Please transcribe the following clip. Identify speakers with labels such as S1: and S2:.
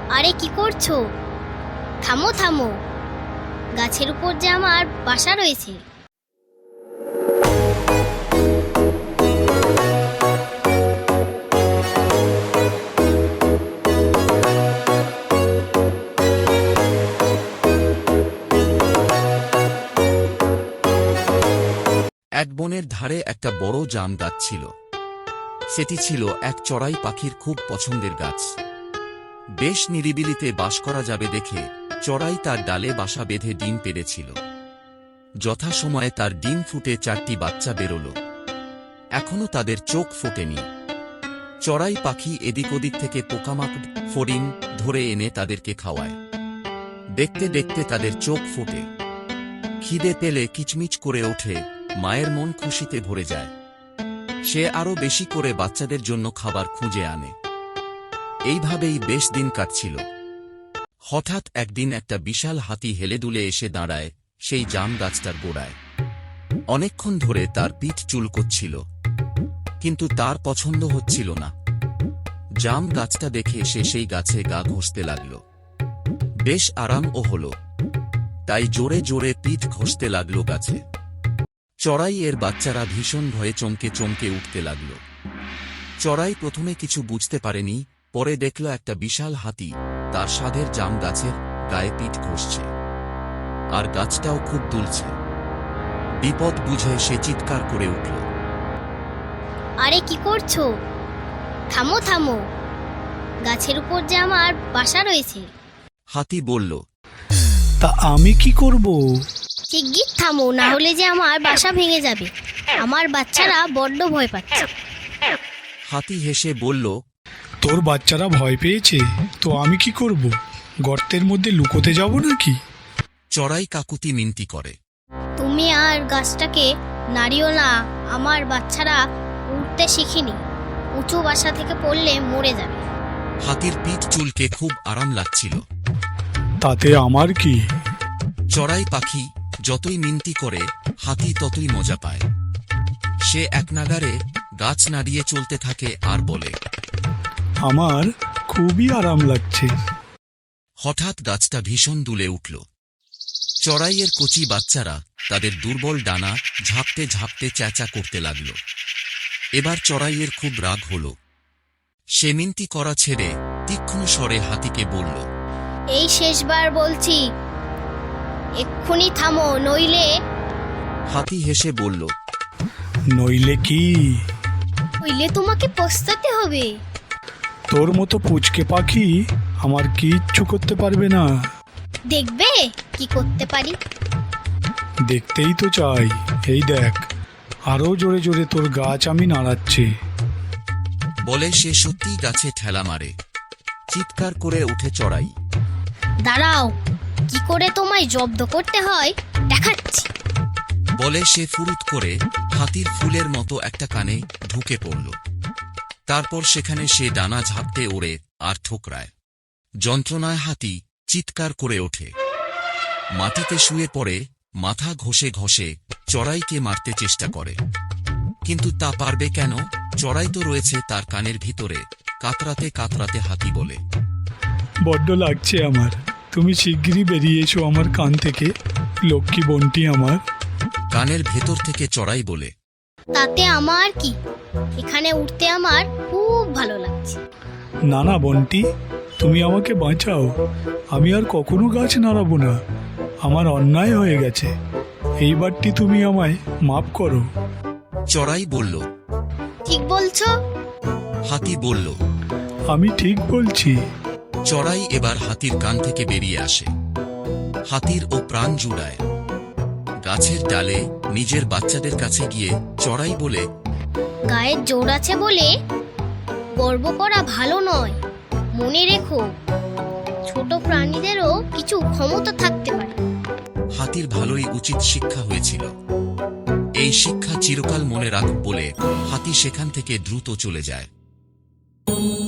S1: আরে কি করছো? থামো থামো, গাছের উপর যে আমার বাসা রয়েছে।
S2: এক বনের ধারে একটা বড় জাম গাছ ছিল। সেটি ছিল এক চড়াই পাখির খুব পছন্দের গাছ। বেশ নিরিবিলিতে বাস করা যাবে দেখে চড়াই তার ডালে বাসা বেঁধে ডিম পেড়েছিল। যথাসময়ে তার ডিম ফুটে 4টি বাচ্চা বেরোল। এখনো তাদের চোখ ফোটেনি। চড়াই পাখি এদিক ওদিক থেকে পোকামাকড়, ফড়িং ধরে এনে তাদেরকে খাওয়ায়। দেখতে দেখতে তাদের চোখ ফোটে। খিদে পেলে কিচমিচ করে ওঠে, মায়ের মন খুশিতে ভরে যায়। সে আরো বেশি করে বাচ্চাদের জন্য খাবার খুঁজে আনে। এইভাবেই বেশ দিন কাটছিল। হঠাৎ একদিন একটা বিশাল হাতি হেলেদুলে এসে দাঁড়ায় সেই জাম গাছটার গোড়ায়। অনেকক্ষণ ধরে তার পিঠ চুলকোচ্ছিল, কিন্তু তার পছন্দ হচ্ছিল না। জাম গাছটা দেখে সে সেই গাছে গা ঘষতে লাগল। বেশ আরামও হল, তাই জোরে জোরে পিঠ ঘষতে লাগল গাছে। চড়াই এর বাচ্চারা ভীষণ ভয়ে চমকে চমকে উঠতে লাগল। চড়াই প্রথমে কিছু বুঝতে পারেনি, পরে দেখল একটা বিশাল হাতি তার স্বাদের জাম গাছের গায়ে পিঠ ঘষছে, আর গাছটাও খুব দুলছে। বিপদ বুঝে সে চিৎকার করে উঠল।
S1: আরে কি করছো? থামো থামো, গাছের উপর যে আমার বাসা রয়েছে।
S2: হাতি বলল,
S3: তা আমি কি করব?
S1: শিগগির থামো, না হলে যে আমার বাসা ভেঙে যাবে। আমার বাচ্চারা বড্ড ভয় পাচ্ছে।
S2: হাতি হেসে বলল,
S3: তোর বাচ্চারা ভয় পেয়েছে তো আমি কি করব? গর্তের মধ্যে লুকোতে যাব নাকি?
S2: চড়াই কাকুতি মিনতি করে।
S1: তুমি আর গাছটাকে নাড়িও না, আমার বাচ্চারা উঠতে শিখিনি। উঁচু বাসা থেকে পড়লে মরে যাবে।
S2: হাতির পিঠ চুলকে খুব আরাম লাগছিল।
S3: তাতে আমার কি?
S2: চড়াই পাখি যতই মিনতি করে হাতি ততই মজা পায়। সে একনাগারে গাছ নাড়িয়ে চলতে থাকে আর বলে,
S3: আমার খুবই আরাম লাগছে।
S2: হঠাৎ গাছটা ভীষণ দুলে উঠল। চড়াইয়ের কচি বাচ্চারা তাদের দুর্বল ডানা ঝাপটে ঝাপটে চেঁচা করতে লাগল। এবার চড়াইয়ের খুব রাগ হল। সে মিনতি করা ছেড়ে তীক্ষ্ণ স্বরে হাতিকে বলল,
S1: এই শেষবার বলছি, এক্ষুনি থামো, নইলে।
S2: হাতি হেসে বলল,
S3: নইলে কি?
S1: নইলে তোমাকে পস্তাতে হবে।
S3: তোর মতো পুচকে পাখি আমার কিচ্ছু করতে পারবে না।
S1: দেখবে কি করতে পারি।
S3: দেখতেই তো চাই। এই দেখ, আরো জোরে জোরে তোর গাছ আমি নাড়াচ্ছি।
S2: বলে সে সত্যিই গাছে ঠেলা মারে। চিৎকার করে উঠে চড়াই।
S1: দাঁড়াও, কি করে তোমায় জব্দ করতে হয় দেখাচ্ছি।
S2: বলে সে ফুরুত করে হাতির ফুলের মতো একটা কানে ঢুকে পড়ল। তারপর সেখানে সে ডানা ঝাপটে ওড়ে আর ঠোকরায়। যন্ত্রণায় হাতি চিৎকার করে ওঠে। মাটিতে শুয়ে পড়ে মাথা ঘষে ঘষে চড়াইকে মারতে চেষ্টা করে, কিন্তু তা পারবে কেন? চড়াই তো রয়েছে তার কানের ভিতরে। কাতরাতে কাতরাতে হাতি বলে,
S3: বড্ড লাগছে আমার। তুমি শিগগিরই বেরিয়ে এসো আমার কান থেকে, লক্ষ্মী বোনটি আমার।
S2: কানের ভেতর থেকে চড়াই বলে,
S1: তাতে আমার কি? এখানে উঠতে আমার খুব ভালো লাগছে।
S3: না না বোনটি, তুমি আমাকে বাঁচাও। আমি আর কখনো গাছ নাড়াবো না। আমার অন্যায় হয়ে গেছে। এইবারটি তুমি আমায় মাফ করো।
S2: চড়াই বলল,
S1: ঠিক বলছো।
S2: হাতি বলল,
S3: আমি ঠিক বলছি।
S2: চড়াই এবার হাতির কান থেকে বেরিয়ে আসে। হাতির ও প্রাণ জুড়ায়। গাছের ডালে নিজের বাচ্চাদের কাছে গিয়ে চড়াই বলে,
S1: গায়ের জোর আছে বলে গর্ব করা ভালো নয়। মনে রেখো, ছোট প্রাণীদেরও কিছু ক্ষমতা থাকতে পারে।
S2: হাতির ভালোই উচিত শিক্ষা হয়েছিল। এই শিক্ষা চিরকাল মনে রাখ বলে হাতি সেখান থেকে দ্রুত চলে যায়।